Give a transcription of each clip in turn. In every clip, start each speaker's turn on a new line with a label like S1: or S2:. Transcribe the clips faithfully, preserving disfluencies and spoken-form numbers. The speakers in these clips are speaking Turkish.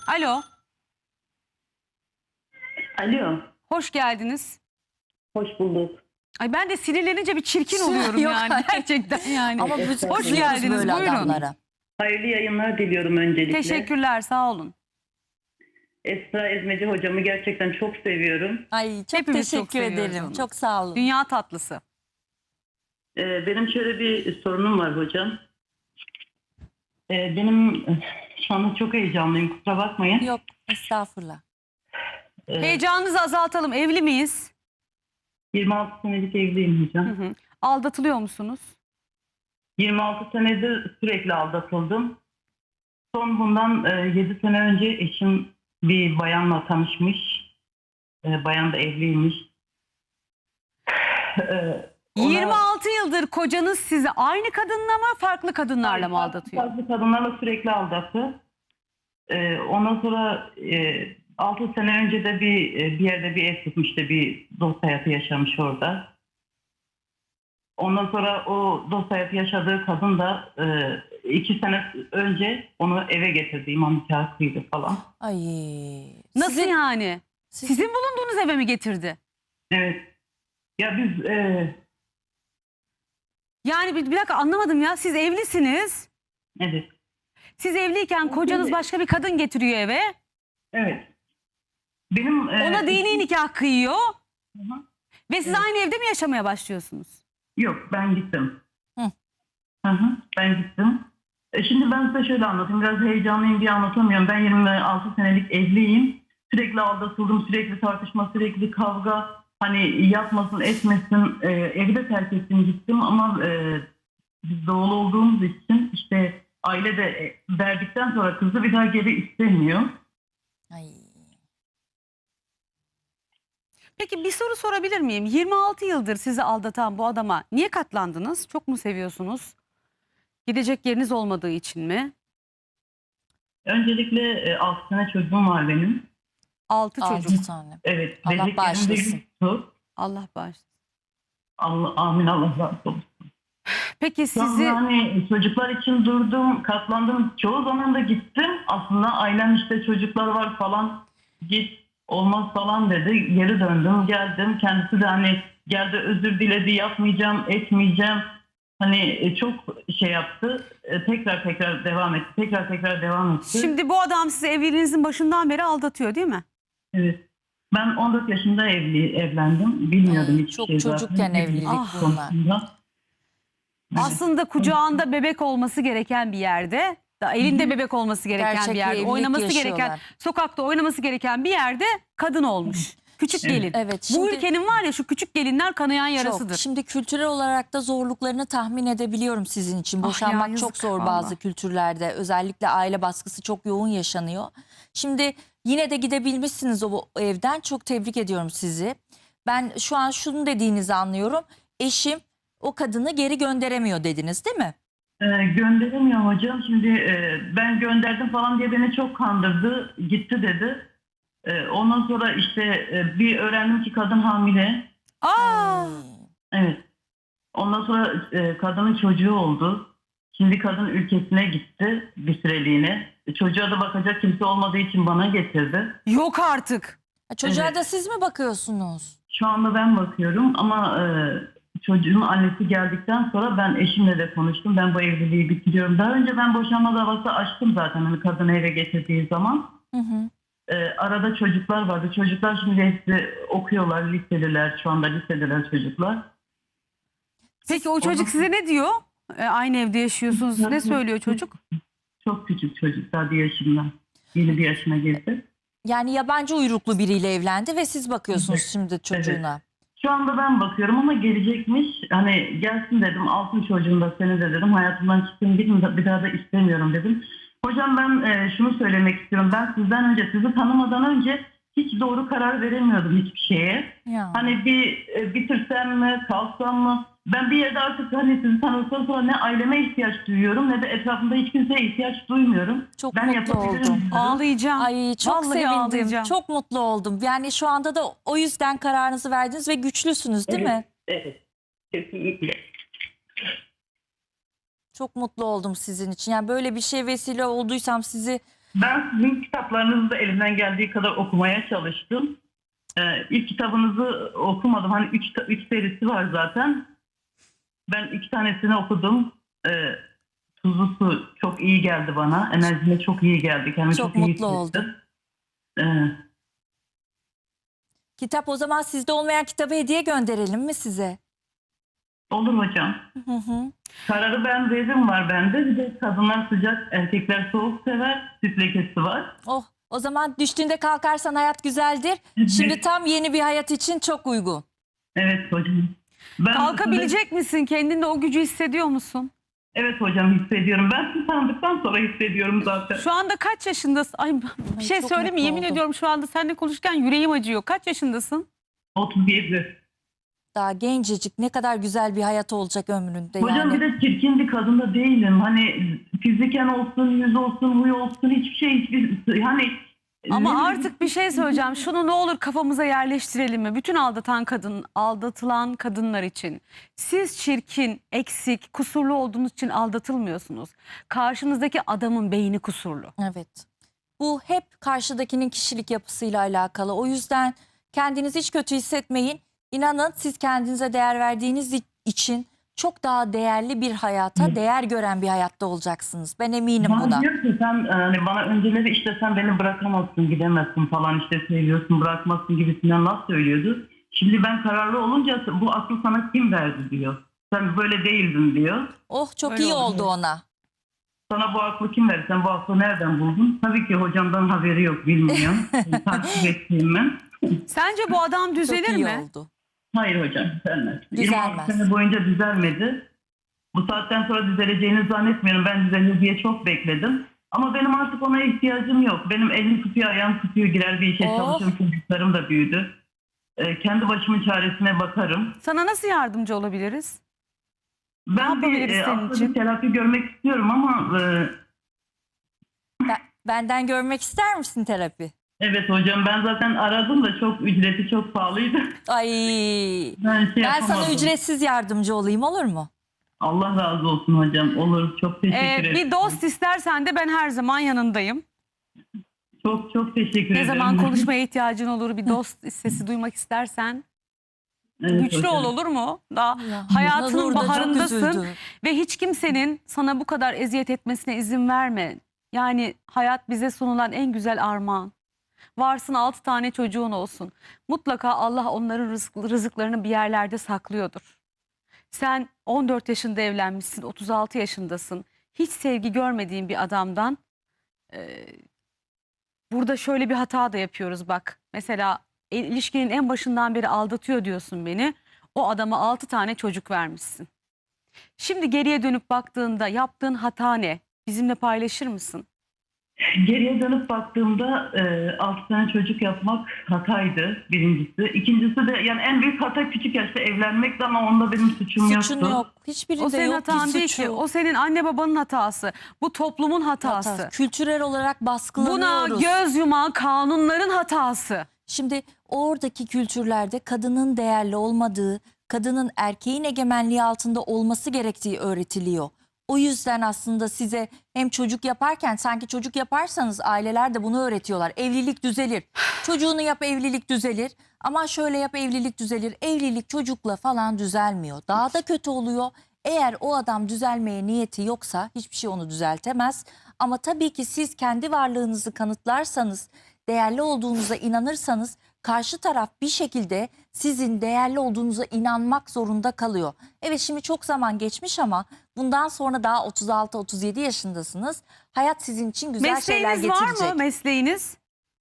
S1: Alo,
S2: Alo,
S1: hoş geldiniz.
S2: hoş bulduk.
S1: Ay ben de sinirlenince bir çirkin oluyorum
S3: Yok,
S1: yani
S3: hayır.
S1: gerçekten yani.
S3: Ama biz
S2: Hoş
S3: kızıyoruz
S1: geldiniz,
S3: böyle
S1: buyurun.
S3: adamlara.
S2: Hayırlı yayınlar diliyorum öncelikle.
S1: Teşekkürler, sağ olun.
S2: Esra Ezmeci hocamı gerçekten çok seviyorum.
S3: Ay çok
S1: Hepimiz çok
S3: teşekkür
S1: seviyoruz
S3: ederim.
S1: onu.
S3: Çok sağ olun.
S1: Dünya tatlısı.
S2: Ee, benim şöyle bir sorunum var hocam. Ee, benim şu anda çok heyecanlıyım, kusura bakmayın.
S3: Yok estağfurullah.
S2: Ee,
S1: Heyecanınızı azaltalım. Evli miyiz?
S2: yirmi altı senelik evliyim hocam.
S1: Hı hı. Aldatılıyor musunuz?
S2: yirmi altı senedir sürekli aldatıldım. Son bundan e, yedi sene önce eşim bir bayanla tanışmış. E, bayan da evliymiş. Ee, ona-
S1: yirmi altı yıldır kocanız sizi aynı kadınla mı farklı kadınlarla mı aldatıyor?
S2: Farklı kadınlarla sürekli aldattı. Ee, ondan sonra e, altı sene önce de bir e, bir yerde bir ev tutmuştu. Bir dost hayatı yaşamış orada. Ondan sonra o dost hayatı yaşadığı kadın da e, iki sene önce onu eve getirdi. İmam nikahı kıydı falan.
S3: Ay.
S1: Nasıl
S3: Sizin-
S1: yani?
S3: siz-
S1: Sizin bulunduğunuz eve mi getirdi?
S2: Evet. Ya biz e,
S1: Yani bir, bir dakika anlamadım ya. Siz evlisiniz.
S2: evet.
S1: Siz evliyken kocanız başka bir kadın getiriyor eve.
S2: Evet. Benim e,
S1: Ona dini nikah kıyıyor.
S2: Hı hı.
S1: Ve siz
S2: Evet.
S1: aynı evde mi yaşamaya başlıyorsunuz?
S2: Yok, ben gittim.
S3: Hı.
S2: Hı hı, ben gittim. E şimdi ben size şöyle anlatayım. Biraz heyecanlıyım diye anlatamıyorum. Ben yirmi altı senelik evliyim. Sürekli aldatıldım, sürekli tartışma, sürekli kavga. Hani yapmasın, etmesin, e, evi de terk ettim, gittim ama e, biz doğulu olduğumuz için işte aile de e, verdikten sonra kızı bir daha geri istemiyor.
S3: Ay.
S1: Peki bir soru sorabilir miyim? yirmi altı yıldır sizi aldatan bu adama niye katlandınız? Çok mu seviyorsunuz? Gidecek yeriniz olmadığı için mi?
S2: Öncelikle e, altı sene çocuğum var benim.
S1: Altı çocuk.
S3: Altı tane.
S2: Evet.
S3: Allah
S2: bebeklerim de
S3: bağışlasın.
S2: yoktu.
S1: Allah bağışlasın.
S2: Allah, amin, Allah razı olsun.
S1: Peki
S2: Sizi...
S1: sizi
S2: Hani çocuklar için durdum, katlandım. Çoğu zaman da gittim. Aslında ailem işte çocuklar var falan. Git, olmaz falan dedi. Geri döndüm, geldim. Kendisi de hani geldi, özür diledi, yapmayacağım, etmeyeceğim. Hani e, çok şey yaptı. E, Tekrar tekrar devam etti. Tekrar tekrar devam etti.
S1: şimdi bu adam sizi evliliğinizin başından beri aldatıyor değil mi?
S2: Evet. Ben on dört yaşında evli evlendim. Bilmiyordum
S3: Ay,
S2: hiçbir
S3: çok
S2: şey
S3: çocukken
S2: zaten.
S3: evlilik
S1: Ah.
S3: bunlar.
S2: Konusunda.
S1: Aslında kucağında bebek olması gereken bir yerde, da elinde bebek olması gereken
S3: Gerçek
S1: bir
S3: bir
S1: yerde,
S3: evlilik
S1: oynaması gereken,
S3: yaşıyorlar.
S1: sokakta oynaması gereken bir yerde kadın olmuş. Küçük
S2: Evet.
S1: gelin.
S3: Evet,
S1: Bu
S3: şimdi-
S1: ülkenin var ya şu küçük gelinler kanayan yarasıdır.
S3: Çok. Şimdi kültürel olarak da zorluklarını tahmin edebiliyorum sizin için.
S1: Ah ya,
S3: Boşanmak
S1: yazık
S3: çok zor
S1: vallahi.
S3: bazı kültürlerde. Özellikle aile baskısı çok yoğun yaşanıyor. Şimdi yine de gidebilmişsiniz o o evden. Çok tebrik ediyorum sizi. Ben şu an şunu dediğinizi anlıyorum. Eşim o kadını geri gönderemiyor dediniz değil mi?
S2: Ee, gönderemiyor hocam. Şimdi e, ben gönderdim falan diye beni çok kandırdı. Gitti dedi. E, ondan sonra işte e, bir öğrendim ki kadın hamile.
S1: Aa,
S3: Ay.
S2: Evet. Ondan sonra e, kadının çocuğu oldu. Şimdi kadın ülkesine gitti bir süreliğine. E, çocuğa da bakacak kimse olmadığı için bana getirdi.
S1: yok artık.
S3: Ha, Çocuğa
S2: Evet.
S3: da siz mi bakıyorsunuz?
S2: Şu anda ben bakıyorum ama e, çocuğun annesi geldikten sonra ben eşimle de konuştum. Ben bu evliliği bitiriyorum. Daha önce ben boşanma davası açtım zaten hani kadını eve getirdiği zaman.
S3: Hı hı.
S2: E, arada çocuklar vardı. Çocuklar şimdi hepsi okuyorlar, liseliler. Şu anda lisedeler çocuklar.
S1: Peki o çocuk size ne diyor? E, aynı evde yaşıyorsunuz. Ne söylüyor çocuk?
S2: Çok küçük çocuk, daha bir yaşında. Yeni bir yaşına girdi.
S3: Yani yabancı uyruklu biriyle evlendi ve siz bakıyorsunuz
S2: Evet.
S3: şimdi çocuğuna.
S2: Şu anda ben bakıyorum ama gelecekmiş. Hani gelsin dedim, altın çocuğum da seni de dedim. Hayatımdan çıktım, gidin bir daha da istemiyorum dedim. Hocam ben e, şunu söylemek istiyorum. Ben sizden önce, sizi tanımadan önce hiç doğru karar veremiyordum hiçbir şeye.
S3: Ya.
S2: Hani bir e, bitirsem mi, kalsam mı? Ben bir yerde artık hani sizi tanıdıktan sonra ne aileme ihtiyaç duyuyorum ne de etrafımda hiç kimseye ihtiyaç duymuyorum.
S3: Çok
S2: ben
S3: mutlu
S2: yapabilirim
S3: oldum.
S2: diyorum.
S1: Ağlayacağım.
S3: Ay çok
S1: Vallahi
S3: sevindim.
S1: ağlayacağım.
S3: Çok mutlu oldum. Yani şu anda da o yüzden kararınızı verdiniz ve güçlüsünüz değil
S2: Evet,
S3: mi?
S2: evet. Kesinlikle.
S3: Çok mutlu oldum sizin için. Yani böyle bir şey vesile olduysam sizi
S2: Ben sizin kitaplarınızı da elimden geldiği kadar okumaya çalıştım. Ee, ilk kitabınızı okumadım. Hani üç, üç serisi var zaten. Ben iki tanesini okudum. Ee, Tuzlu Su çok iyi geldi bana. Enerjime çok iyi geldi. Kendimi
S3: Çok
S2: çok, iyi
S3: mutlu oldum.
S2: hissettim. Ee,
S3: Kitap o zaman sizde olmayan kitabı hediye gönderelim mi size?
S2: olur hocam.
S3: Hı hı.
S2: Kararı ben verdim var bende. Bir de kadınlar sıcak, erkekler soğuk sever. Süt lekesi var.
S3: Oh, o zaman düştüğünde kalkarsan hayat güzeldir. Şimdi tam yeni bir hayat için çok uygun.
S2: Evet hocam. Ben
S1: Kalkabilecek misin? Kendinde o gücü hissediyor musun?
S2: Evet hocam, hissediyorum. Ben sizi tanıdıktan sonra hissediyorum zaten.
S1: Şu anda kaç yaşındasın? Ay bir şey
S3: çok
S1: söyleyeyim mi?
S3: mutlu
S1: Yemin
S3: oldum.
S1: ediyorum şu anda seninle konuşurken yüreğim acıyor. Kaç yaşındasın?
S2: otuz yedi.
S3: Daha gencecik, ne kadar güzel bir hayat olacak ömründe
S2: Hocam
S3: yani.
S2: bir de çirkin bir kadın da değilim. Hani fiziken olsun, yüz olsun, huy olsun, hiçbir şey hiçbir hani
S1: Ama
S2: ne-
S1: artık bir şey söyleyeceğim. Şunu ne olur kafamıza yerleştirelim mi? Bütün aldatan kadın, aldatılan kadınlar için. Siz çirkin, eksik, kusurlu olduğunuz için aldatılmıyorsunuz. Karşınızdaki adamın beyni kusurlu.
S3: Evet. Bu hep karşıdakinin kişilik yapısıyla alakalı. O yüzden kendinizi hiç kötü hissetmeyin. İnanın siz kendinize değer verdiğiniz için çok daha değerli bir hayata, değer gören bir hayatta olacaksınız. Ben eminim
S2: Bana
S3: buna.
S2: diyor ki sen hani bana önceleri işte sen beni bırakamazsın, gidemezsin falan, işte seviyorsun, bırakmazsın gibisinden laf söylüyordu. Şimdi ben kararlı olunca bu aklı sana kim verdi diyor. Sen böyle değildin diyor.
S3: Oh, çok
S1: Öyle
S3: iyi
S1: oldu.
S3: oldu ona.
S2: Sana bu aklı kim verdi? Sen bu aklı nereden buldun? Tabii ki hocamdan haberi yok, bilmiyorum. Takip ettiğim ben.
S1: Sence bu adam düzelir
S3: Çok iyi
S1: mi?
S3: oldu.
S2: Hayır hocam, düzelmez.
S3: Düzelmez.
S2: yirmi altı sene boyunca düzelmedi. Bu saatten sonra düzeleceğini zannetmiyorum. Ben düzelir diye çok bekledim. Ama benim artık ona ihtiyacım yok. Benim elim tutuyor, ayağım tutuyor, girer bir işe
S3: Oh.
S2: çalışıyorum. Çocuklarım da büyüdü. Ee, kendi başımın çaresine bakarım.
S1: Sana nasıl yardımcı olabiliriz?
S2: Ben bir,
S1: yapabiliriz
S2: e,
S1: senin
S2: aslında
S1: için?
S2: bir terapi görmek istiyorum ama e,
S3: Ben- benden görmek ister misin terapi?
S2: evet hocam, ben zaten aradım da çok ücreti çok pahalıydı.
S3: Ay,
S2: Ben, şey
S3: ben sana
S2: yapamadım.
S3: ücretsiz yardımcı olayım, olur mu?
S2: Allah razı olsun hocam. Olur. Çok teşekkür
S1: Ee,
S2: ederim.
S1: bir dost istersen de ben her zaman yanındayım.
S2: Çok çok teşekkür
S1: Ne
S2: ederim.
S1: zaman konuşmaya ihtiyacın olur, bir dost sesi duymak istersen
S2: Evet
S1: güçlü
S2: hocam.
S1: ol, olur mu? Daha
S3: Ya,
S1: hayatının
S3: Nur da çok
S1: baharındasın
S3: üzüldü.
S1: ve hiç kimsenin sana bu kadar eziyet etmesine izin verme. Yani hayat bize sunulan en güzel armağan. Varsın altı tane çocuğun olsun. Mutlaka Allah onların rızık, rızıklarını bir yerlerde saklıyordur. Sen on dört yaşında evlenmişsin, otuz altı yaşındasın. Hiç sevgi görmediğin bir adamdan e, burada şöyle bir hata da yapıyoruz bak. Mesela il- ilişkinin en başından beri aldatıyor diyorsun beni. O adama altı tane çocuk vermişsin. Şimdi geriye dönüp baktığında yaptığın hata ne? Bizimle paylaşır mısın?
S2: Geriye dönüp baktığımda e, altı tane çocuk yapmak hataydı birincisi. İkincisi de yani en büyük hata küçük yaşta evlenmekti ama onda benim suçum
S3: Suçun
S2: yoktu.
S3: yok. Hiçbirinde
S1: O senin
S3: yok
S1: hatan
S3: ki
S1: değil
S3: suçu.
S1: ki. O senin anne babanın hatası. Bu toplumun hatası.
S3: Hatası. Kültürel olarak
S1: Buna
S3: baskılanıyoruz.
S1: göz yuman kanunların hatası.
S3: Şimdi oradaki kültürlerde kadının değerli olmadığı, kadının erkeğin egemenliği altında olması gerektiği öğretiliyor. O yüzden aslında size hem çocuk yaparken sanki çocuk yaparsanız aileler de bunu öğretiyorlar. Evlilik düzelir. Çocuğunu yap, evlilik düzelir. Ama şöyle yap, evlilik düzelir. Evlilik çocukla falan düzelmiyor. Daha da kötü oluyor. Eğer o adam düzelmeye niyeti yoksa hiçbir şey onu düzeltemez. Ama tabii ki siz kendi varlığınızı kanıtlarsanız, değerli olduğunuza inanırsanız karşı taraf bir şekilde sizin değerli olduğunuza inanmak zorunda kalıyor. Evet, şimdi çok zaman geçmiş ama bundan sonra daha otuz altı otuz yedi yaşındasınız. Hayat sizin için güzel şeyler
S1: Mesleğiniz var
S3: getirecek.
S1: mı? Mesleğiniz?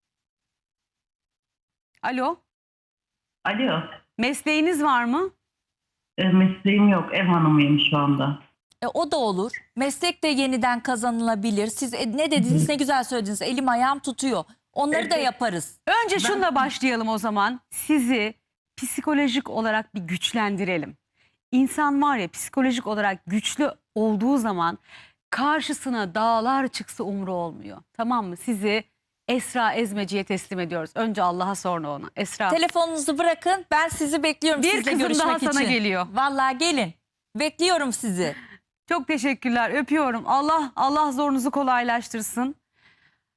S1: Alo?
S2: Alo.
S1: Mesleğiniz var mı?
S2: E, mesleğim yok. Ev hanımıyım şu anda.
S3: E, o da olur. Meslek de yeniden kazanılabilir. Siz e, ne dediniz, ne güzel söylediniz. Elim ayağım tutuyor. Onları da
S2: Evet.
S3: yaparız.
S1: Önce şunla başlayalım o zaman. Sizi psikolojik olarak bir güçlendirelim. İnsan var ya, psikolojik olarak güçlü olduğu zaman karşısına dağlar çıksa umru olmuyor. Tamam mı? Sizi Esra Ezmeci'ye teslim ediyoruz. Önce Allah'a, sonra ona. Esra.
S3: Telefonunuzu bırakın. Ben sizi bekliyorum
S1: Bir
S3: sizle
S1: kızım
S3: görüşmek
S1: daha
S3: için.
S1: sana geliyor.
S3: Vallahi gelin. Bekliyorum sizi.
S1: Çok teşekkürler. Öpüyorum. Allah Allah zorunuzu kolaylaştırsın.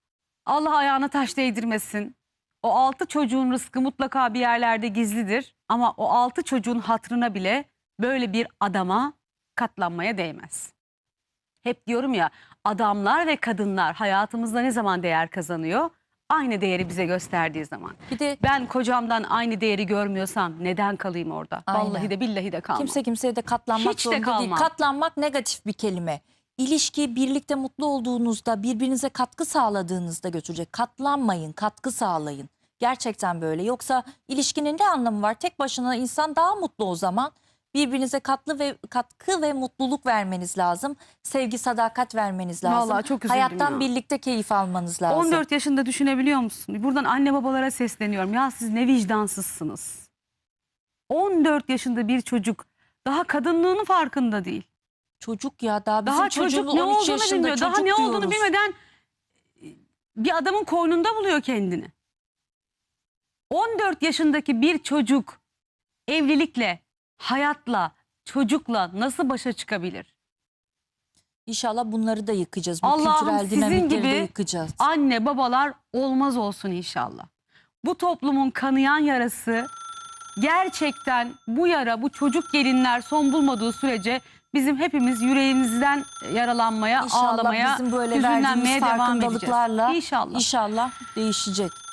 S1: Allah ayağına taş değdirmesin. O altı çocuğun rızkı mutlaka bir yerlerde gizlidir. Ama o altı çocuğun hatırına bile böyle bir adama katlanmaya değmez. Hep diyorum ya, adamlar ve kadınlar hayatımızda ne zaman değer kazanıyor? Aynı değeri bize gösterdiği zaman.
S3: Bir de
S1: Ben kocamdan aynı değeri görmüyorsam neden kalayım orada?
S3: Aynen.
S1: Vallahi de billahi de kalmam.
S3: kimse kimseye de katlanmak
S1: Hiç de
S3: zorunda değil.
S1: kalmam.
S3: Katlanmak negatif bir kelime. İlişki birlikte mutlu olduğunuzda, birbirinize katkı sağladığınızda götürecek. Katlanmayın, katkı sağlayın. Gerçekten böyle. Yoksa ilişkinin ne anlamı var? Tek başına insan daha mutlu o zaman. Birbirinize katlı ve katkı ve mutluluk vermeniz lazım. Sevgi, sadakat vermeniz lazım.
S1: Vallahi çok üzüldüm
S3: Hayattan
S1: ya.
S3: birlikte keyif almanız lazım.
S1: on dört yaşında düşünebiliyor musun? Buradan anne babalara sesleniyorum. Ya siz ne vicdansızsınız. on dört yaşında bir çocuk daha kadınlığının farkında değil.
S3: Çocuk ya daha bizim
S1: Daha çocuk
S3: çocuğumuz
S1: ne
S3: on üç
S1: olduğunu
S3: yaşında
S1: bilmiyor. Daha
S3: çocuk
S1: ne olduğunu
S3: diyoruz.
S1: bilmeden bir adamın koynunda buluyor kendini. on dört yaşındaki bir çocuk evlilikle, hayatla, çocukla nasıl başa çıkabilir?
S3: İnşallah bunları da yıkacağız. Bu
S1: Allah'ım
S3: kültürel
S1: sizin
S3: dinamikleri de
S1: gibi
S3: yıkacağız.
S1: anne babalar olmaz olsun inşallah. Bu toplumun kanayan yarası gerçekten, bu yara, bu çocuk gelinler son bulmadığı sürece bizim hepimiz yüreğimizden yaralanmaya,
S3: İnşallah
S1: ağlamaya,
S3: bizim böyle
S1: hüzünlenmeye
S3: verdiğimiz
S1: devam edeceğiz.
S3: farkındalıklarla
S1: İnşallah.
S3: inşallah değişecek.